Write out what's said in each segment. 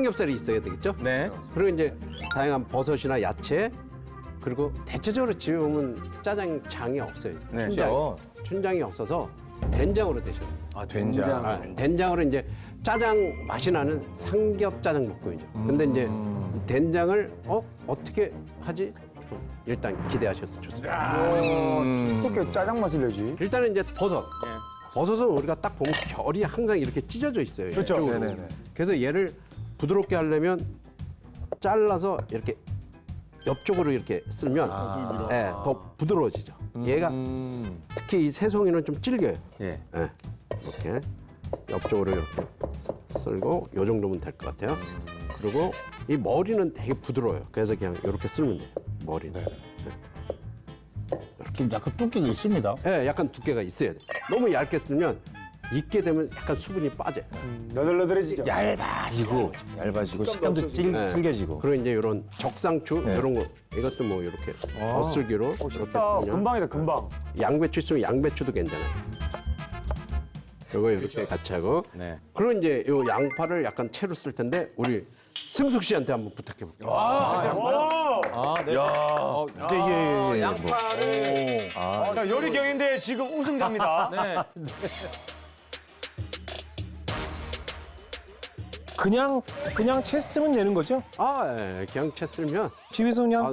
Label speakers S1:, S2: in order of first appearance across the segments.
S1: 삼겹살이 있어야 되겠죠?
S2: 네.
S1: 그리고 이제 다양한 버섯이나 야채, 그리고 대체적으로 집에 보면 짜장장이 없어요.
S2: 네.
S1: 춘장이 없어서 된장으로 드셔요.
S2: 아, 된장.
S1: 된장으로 이제 짜장 맛이 나는 삼겹짜장 볶음이죠. 근데 이제 된장을 어떻게 하지? 일단 기대하셔도 좋습니다.
S3: 어떻게 짜장 맛을 내지?
S1: 일단은 이제 버섯. 버섯은 우리가 딱 보면 결이 항상 이렇게 찢어져 있어요.
S3: 그렇죠.
S1: 이쪽으로.
S3: 네네네.
S1: 그래서 얘를 부드럽게 하려면 잘라서 이렇게 옆쪽으로 이렇게 쓸면 더 부드러워지죠. 얘가 특히 이 새송이는 좀 질겨요.
S2: 예.
S1: 예, 이렇게 옆쪽으로 이렇게 쓸고 요 정도면 될 것 같아요. 그리고 이 머리는 되게 부드러워요. 그래서 그냥 이렇게 쓸면 돼요. 머리는.
S4: 좀 약간 두께가 있습니다.
S1: 예, 약간 두께가 있어야 돼. 너무 얇게 쓸면 익게 되면 약간 수분이 빠져요.
S3: 너덜너덜해지죠.
S4: 얇아지고 식감도 질겨지고.
S1: 그리고 이제 이런 적상추 이런 거 이것도 뭐 이렇게 겉슬기로 이렇게 쓰면
S3: 금방이다, 금방.
S1: 양배추 있으면 양배추도 괜찮아요. 요거 이렇게 같이 하고.
S2: 네.
S1: 그리고 이제 요 양파를 약간 채로 쓸 텐데 우리 승숙 씨한테 한번 부탁해 볼게요.
S4: 예.
S2: 양파를.
S3: 자, 요리경인데 지금 우승자입니다.
S2: 네.
S5: 그냥 채 쓰면 되는 거죠?
S1: 예, 그냥 채 쓸면
S5: 집에서 그냥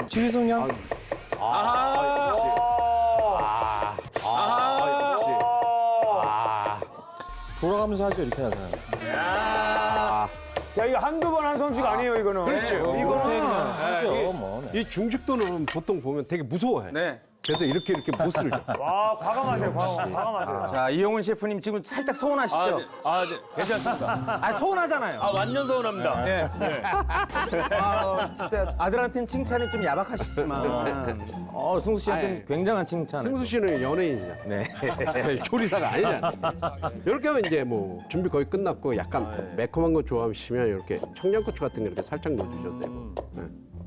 S5: 돌아가면서 하죠 이렇게 하잖아요.
S3: 야, 이거 한두 번 한 솜씨가 아니에요, 이거는.
S1: 그렇죠.
S3: 이거는.
S5: 하죠 뭐.
S1: 이 중식도는 보통 보면 되게 무서워해.
S2: 네.
S1: 그래서 이렇게 못 쓸죠.
S3: 와, 과감하세요, 과감하세요.
S2: 자, 이용훈 셰프님 지금 살짝 서운하시죠?
S6: 네. 괜찮습니다.
S2: 아, 서운하잖아요.
S6: 완전 서운합니다.
S2: 네. 진짜 아들한테는 칭찬이 좀 야박하시지만 승수 씨한테는 굉장한 칭찬.
S1: 승수 씨는 연예인이잖아.
S2: 네.
S1: 조리사가 아니잖아. 이렇게 하면 이제 뭐 준비 거의 끝났고 약간 매콤한 거 좋아하시면 이렇게 청양고추 같은 거 이렇게 살짝 넣어주셔도 되고. 네.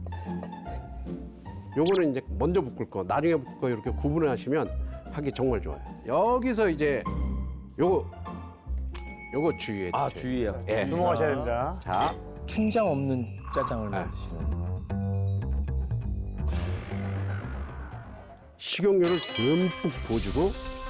S1: 요거는 이제 먼저 볶을 거, 나중에 볶을 거 이렇게 구분을 하시면 하기 정말 좋아요. 여기서 이제 요거 주의해 주세요.
S2: 주의해요.
S1: 예.
S3: 주목하셔야 됩니다.
S1: 자,
S5: 춘장 없는 짜장을 만드시는.
S1: 식용유를 듬뿍 부어주고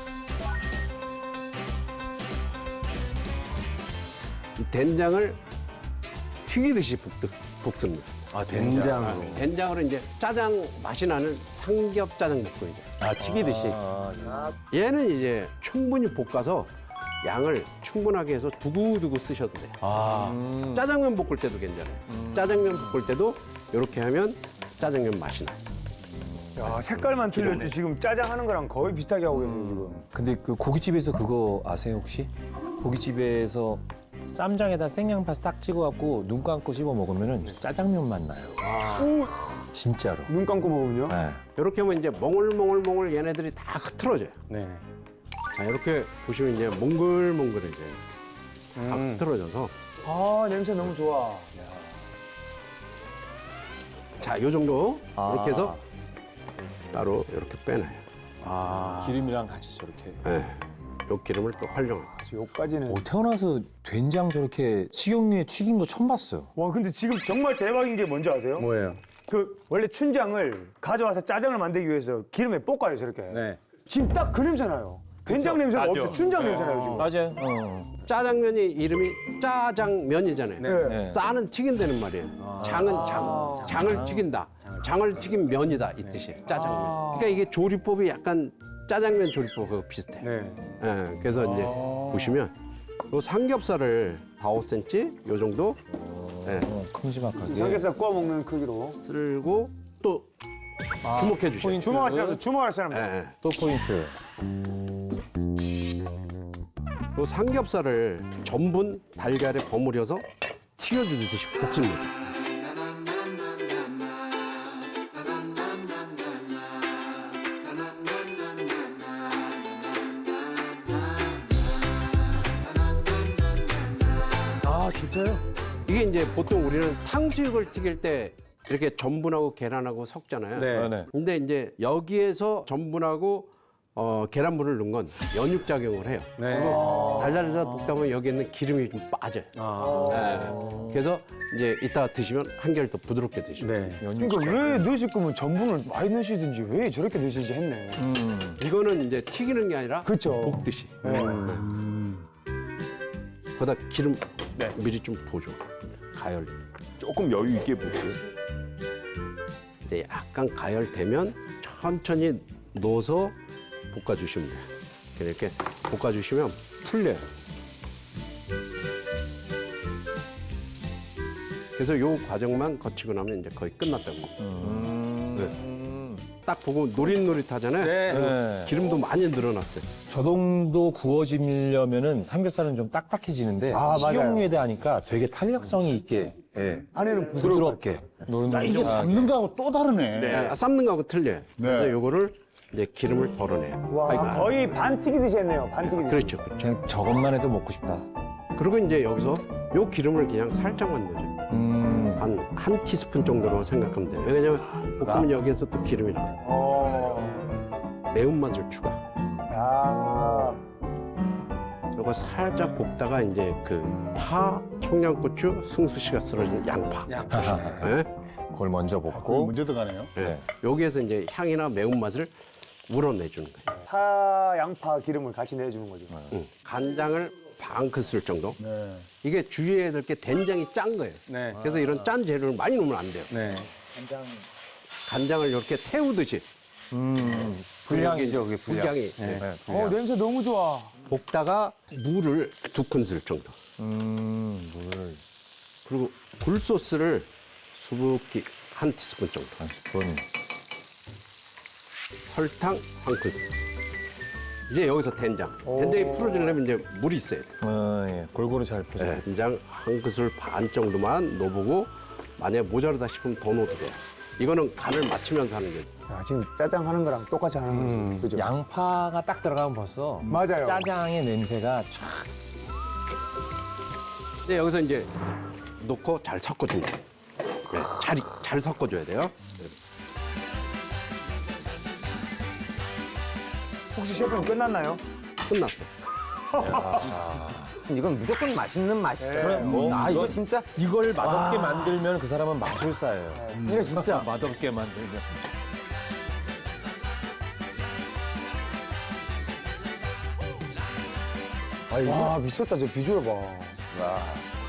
S1: 이 된장을 튀기듯이 볶습니다.
S2: 된장으로.
S1: 된장으로 이제 짜장 맛이 나는 삼겹짜장 볶음이죠.
S2: 튀기듯이.
S1: 얘는 이제 충분히 볶아서 양을 충분하게 해서 두고두고 쓰셔도 돼요. 짜장면 볶을 때도 괜찮아요. 짜장면 볶을 때도 이렇게 하면 짜장면 맛이 나요.
S3: 야, 색깔만 틀렸지. 지금 짜장 하는 거랑 거의 비슷하게 하고 계세요, 지금.
S5: 근데 그 고깃집에서 그거 아세요 혹시? 고깃집에서 쌈장에다 생양파 딱 찍어갖고 눈 감고 씹어 먹으면은 짜장면 맛 나요. 진짜로.
S3: 눈 감고 먹으면요?
S5: 네.
S1: 이렇게 하면 이제 몽글몽글 얘네들이 다 흐트러져요.
S2: 네.
S1: 자, 이렇게 보시면 이제 몽글몽글해져요. 다 흐트러져서.
S3: 아, 냄새 너무 좋아.
S1: 자, 요 정도 이렇게 해서 따로 이렇게 빼놔요.
S5: 기름이랑 같이 저렇게.
S1: 네. 요 기름을 또 활용해요.
S3: 요까지는.
S5: 태어나서 된장 저렇게 식용유에 튀긴 거 처음 봤어요.
S3: 와, 근데 지금 정말 대박인 게 뭔지 아세요?
S2: 뭐예요?
S3: 그 원래 춘장을 가져와서 짜장을 만들기 위해서 기름에 볶아요, 저렇게.
S2: 네.
S3: 지금 딱 그 냄새 나요. 된장 냄새가 없어요. 춘장 냄새 나요, 지금.
S5: 맞아요.
S1: 짜장면이 이름이 짜장면이잖아요.
S5: 네.
S1: 짜는 튀긴다는 말이에요. 장은 장을 튀긴다. 장을 튀긴 면이다 이 뜻이에요. 짜장면. 그러니까 이게 조리법이 약간 짜장면 조리법하고 비슷해요.
S2: 네.
S1: 예, 그래서 이제 보시면 요 삼겹살을 4, 5cm 요 정도
S5: 큼지막하게.
S3: 삼겹살 구워 먹는 크기로.
S1: 쓸고 또 주목해 주세요.
S3: 주목할 사람.
S1: 예,
S5: 또 포인트.
S1: 요 삼겹살을 전분 달걀에 버무려서 튀겨주듯이 볶습니다.
S2: 아, 진짜요?
S1: 이게 이제 보통 우리는 탕수육을 튀길 때 이렇게 전분하고 계란하고 섞잖아요.
S2: 네.
S5: 네.
S1: 근데 이제 여기에서 전분하고 계란물을 넣은 건 연육작용을 해요.
S2: 네.
S1: 달달달 볶다 보면 여기 있는 기름이 좀 빠져요. 네. 그래서 이제 이따 드시면 한결 더 부드럽게 드시고.
S2: 네.
S3: 그러니까 왜 넣으실 거면 전분을 많이 넣으시든지 왜 저렇게 넣으시지 했네.
S1: 이거는 이제 튀기는 게 아니라
S3: 그쵸.
S1: 볶듯이. 거기다 기름 미리 좀 보죠. 가열.
S6: 조금 여유 있게 볼게요.
S1: 이제 약간 가열되면 천천히 넣어서 볶아주시면 돼요. 이렇게 볶아주시면 풀려요. 그래서 요 과정만 거치고 나면 이제 거의 끝났다고. 네. 딱 보고 노릿노릿하잖아요.
S2: 네.
S1: 기름도 많이 늘어났어요.
S5: 저 정도 구워지려면은 삼겹살은 좀 딱딱해지는데
S3: 아, 맞아요.
S5: 식용유에다 하니까 되게 탄력성이 있게
S3: 안에는
S5: 부드럽게 노릇노릇.
S4: 이게 삶는 거하고 또 다르네.
S1: 삶는 거하고 틀려요.
S4: 네.
S1: 그래서 요거를 이제 기름을 덜어내요.
S3: 와, 거의 반 튀기듯이 했네요. 반 튀기듯이.
S1: 그렇죠, 그렇죠.
S5: 그냥 저것만 해도 먹고 싶다.
S1: 그리고 이제 여기서 요 기름을 그냥 살짝만 넣어요. 한 티스푼 정도로 생각하면 돼요. 왜냐면 볶으면 여기에서 또 기름이 나와요. 매운맛을 추가.
S3: 아,
S1: 요거 살짝 볶다가 이제 그 파, 청양고추, 승수씨가 썰어진 양파. 네?
S5: 그걸 먼저
S4: 그거
S5: 볶고
S4: 문제 들어가네요.
S1: 네. 여기에서 이제 향이나 매운맛을 우러내주는 거예요.
S3: 파, 양파 기름을 같이 내주는 거죠.
S1: 간장을 반 큰술 정도.
S4: 네.
S1: 이게 주의해야 될 게 된장이 짠 거예요.
S2: 네.
S1: 그래서 이런 짠 재료를 많이 넣으면 안 돼요.
S2: 네.
S1: 간장을 이렇게 태우듯이.
S5: 불향이죠, 그게 불향.
S1: 불향이. 네.
S3: 냄새 너무 좋아.
S1: 볶다가 물을 2큰술 정도.
S5: 물
S1: 그리고 굴소스를 수북히 한 티스푼 정도.
S5: 한 스푼.
S1: 설탕 한 큰술. 이제 여기서 된장. 된장이 풀어지려면 이제 물이 있어야 돼요.
S5: 예. 골고루 잘 푸죠.
S1: 네, 된장 한 큰술 반 정도만 넣어보고 만약에 모자르다 싶으면 더 넣어도 돼요. 이거는 간을 맞추면서 하는 거죠.
S3: 야, 지금 짜장 하는 거랑 똑같이 하는 거죠. 그죠?
S5: 양파가 딱 들어가면 벌써
S3: 맞아요.
S5: 짜장의 냄새가 촥.
S1: 근데 여기서 이제 넣고 잘 섞어준다. 네, 잘 섞어줘야 돼요.
S3: 혹시 셰프님 끝났나요?
S1: 끝났어.
S2: 이건 무조건 맛있는 맛이죠.
S5: 그래, 뭐,
S2: 이거 진짜
S5: 이걸 맛없게 만들면 그 사람은 마술사예요.
S2: 이거 진짜
S5: 맛없게 만들면.
S3: 와, 미쳤다. 저 비주얼 봐.